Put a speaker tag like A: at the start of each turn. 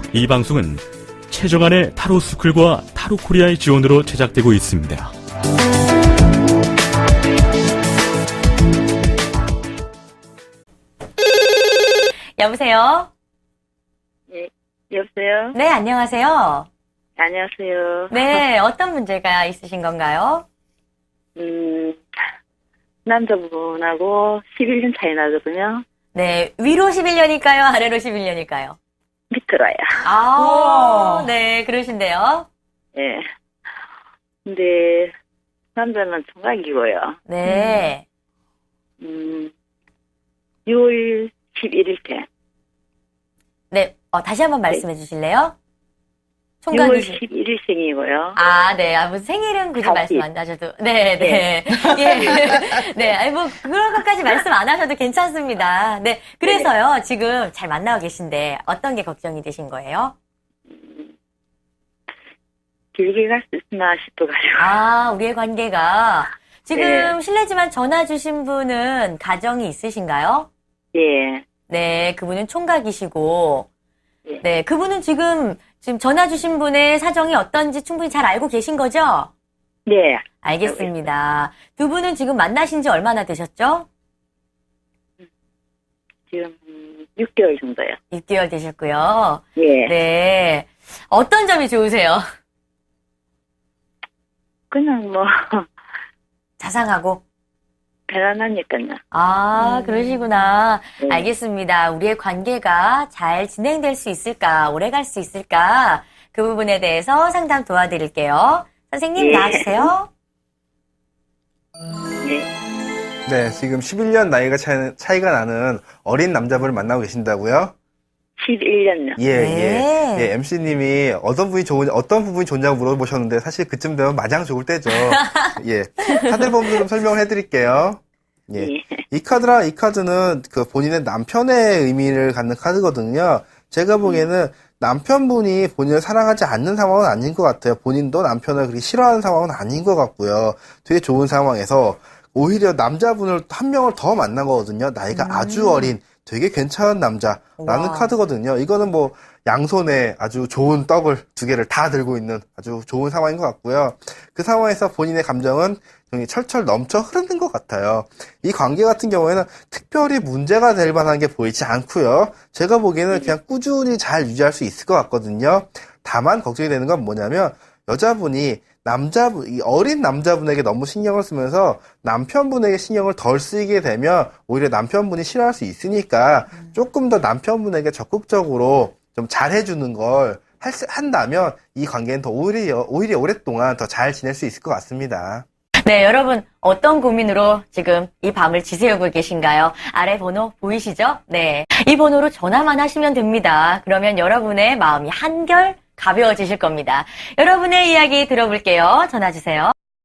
A: 이 방송은 최정안의 타로 스쿨과 타로 코리아의 지원으로 제작되고 있습니다.
B: 여보세요?
C: 예, 여보세요?
B: 네, 안녕하세요.
C: 안녕하세요.
B: 네, 어떤 문제가 있으신 건가요?
C: 남자분하고 11년 차이 나거든요.
B: 네, 위로 11년일까요? 아래로 11년일까요?
C: 밑으로요.
B: 아, 네, 그러신데요.
C: 예. 근데, 남자는 총각이고요.
B: 네.
C: 6월 11일 때.
B: 네, 다시 한번 말씀해 주실래요?
C: 6월
B: 총각이시.
C: 11일 생이고요.
B: 아, 네. 무슨 생일은 굳이 말씀 안 하셔도. 네, 네. 예. 네. 아니, 그런 것까지 말씀 안 하셔도 괜찮습니다. 네. 그래서요, 지금 잘 만나고 계신데, 어떤 게 걱정이 되신 거예요?
C: 길게 갈 수 있나 싶어가지고.
B: 아, 우리의 관계가. 지금
C: 네.
B: 실례지만 전화 주신 분은 가정이 있으신가요?
C: 예.
B: 네, 그분은 총각이시고,
C: 예.
B: 네, 그분은 지금 전화 주신 분의 사정이 어떤지 충분히 잘 알고 계신 거죠?
C: 네.
B: 알겠습니다. 두 분은 지금 만나신 지 얼마나 되셨죠?
C: 지금 6개월 정도요.
B: 6개월 되셨고요.
C: 예.
B: 네. 어떤 점이 좋으세요?
C: 그냥 뭐,
B: 자상하고.
C: 편안하니까요.
B: 아, 그러시구나.
C: 네.
B: 알겠습니다. 우리의 관계가 잘 진행될 수 있을까, 오래 갈 수 있을까, 그 부분에 대해서 상담 도와드릴게요. 선생님,
C: 예.
B: 나와주세요.
C: 네.
D: 네, 지금 11년 나이가 차이가 나는 어린 남자분을 만나고 계신다고요?
C: 11년요.
D: 예,
B: 네.
D: 예. 예, MC님이 어떤 부분이 좋냐고 물어보셨는데 사실 그쯤 되면 마냥 좋을 때죠. 예. 카드 번호 좀 설명을 해드릴게요. 예.
C: 예.
D: 이 카드는 그 본인의 남편의 의미를 갖는 카드거든요. 제가 보기에는 남편분이 본인을 사랑하지 않는 상황은 아닌 것 같아요. 본인도 남편을 그렇게 싫어하는 상황은 아닌 것 같고요. 되게 좋은 상황에서 오히려 남자분을 한 명을 더 만난 거거든요. 나이가 아주 어린 되게 괜찮은 남자라는
B: 와.
D: 카드거든요. 이거는 뭐 양손에 아주 좋은 떡을 두 개를 다 들고 있는 아주 좋은 상황인 것 같고요. 그 상황에서 본인의 감정은 굉장히 철철 넘쳐 흐르는 것 같아요. 이 관계 같은 경우에는 특별히 문제가 될 만한 게 보이지 않고요. 제가 보기에는 그냥 꾸준히 잘 유지할 수 있을 것 같거든요. 다만 걱정이 되는 건 뭐냐면 여자분이 이 어린 남자분에게 너무 신경을 쓰면서 남편분에게 신경을 덜 쓰이게 되면 오히려 남편분이 싫어할 수 있으니까 조금 더 남편분에게 적극적으로 좀 잘해주는 걸 한다면 이 관계는 더 오히려 오랫동안 더 잘 지낼 수 있을 것 같습니다.
B: 네, 여러분, 어떤 고민으로 지금 이 밤을 지새우고 계신가요? 아래 번호 보이시죠? 네. 이 번호로 전화만 하시면 됩니다. 그러면 여러분의 마음이 한결 가벼워지실 겁니다. 여러분의 이야기 들어볼게요. 전화 주세요.